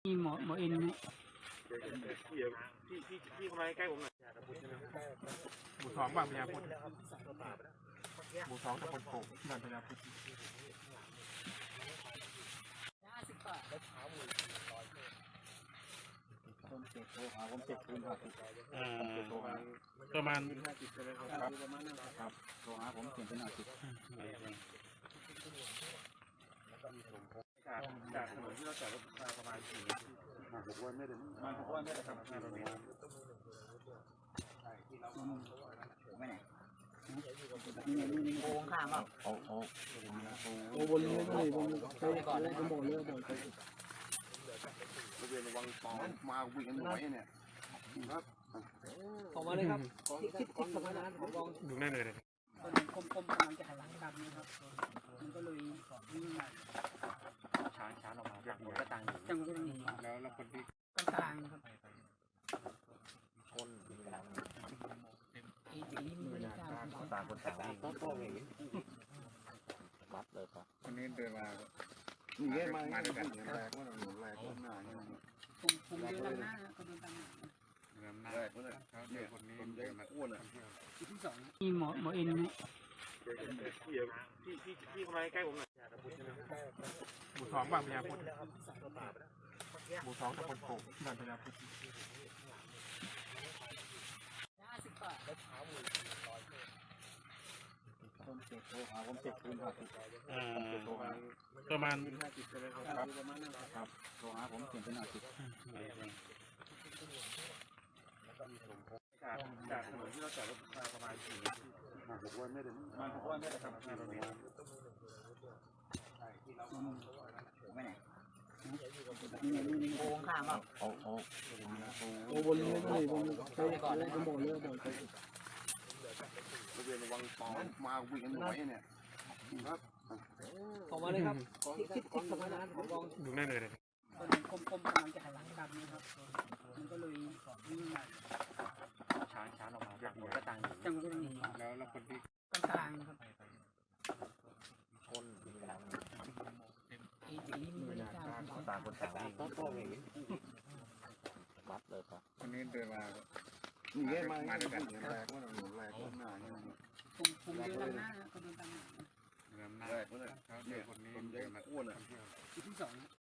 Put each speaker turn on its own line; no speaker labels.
นี่หมอเอ็นนี่
พี่เข้ามาใกล้ผมหน่อย
หมู่สองบางพญาพุทธหมู่สองตำบลโป่งบางพญาพุทธประมาณ
ครับโทรหาผมเขียนเป็น50
จากถนนที่เราจอดรถมาประมาณ4
6 วันไม่ได้ครับไม่ไหน
โกงข้ามอ่ะ
โอ้
บนเลยบนไปก่อนเลยบนบ่อเลยบ่อไป
บริเวณวังตองมาวิ่งกันหน่อยเนี่ยครับ
ออกมาเลยครับคิดประมาณนั้นผมลอง
ดูได้เลย
ตอนนี้คมกำลังจะหันหลังกลับนะครับมันก็เลยวิ่งมา
ช้าออกมาจากหัวกระตัง
จังหวะนี้
แล้วคนที่
กลางครับ
คน
ตีมือ
ต่างคนต่างวิ่งวัดเลยครับ
คนนี้เดินมา
มาด้วยกันแรกว่าหนูแรกว่าหน้าเนี่ย
ผมเดินตามหน้าก็เดินตามหน้า
แรกว่าเนี่ยคนนี้เดินมาอ้วนอ่ะ
ที่สองนี่หมอเอ็นนี่
พี่เข้ามาใกล้ผมหน่อย
หมู่สองบางพญาพุทธหมู่สองตำบลโป่งบางพญาพุทธ
โทรหาผม7 คืนครับ
ประมาณ
ครับโทรหาผมเขียนเป็น50
จากถนนที่เราจอดรถมาประมาณ4
6 วันไม่ได้ครับไม่ไหน
โกงข้ามอ่ะ
บนเลยบนไปก่อนเลยบนบ่อเลยบ่อไปบริเวณวังตองมาวิ่งกันหน่อยเนี่ยครับ
ออกมาเลยครับคิดประมาณนั้นผมลอง
ดูได้เลย
ตอนนี้คมกำลังจะหันหลังกลับนะครับมันก็เลยวิ่งมา
ช้าออกมาจากหัวกระตัง
จังหวะนี้
แล้วคนที่
กลางครับ
คน
ตีมือ
ต่างคนต่างวิ่งวัดเลยครับ
คนนี้เดินมา
มาด้วยกันแรกว่าหนูแรกว่าหน้าเนี่ย
ผมเดินตามหน้าก็เดินตามหน้า
แรกว่าเนี่ยคนนี้เดินมาอ้วนอ่ะ
ที่สอง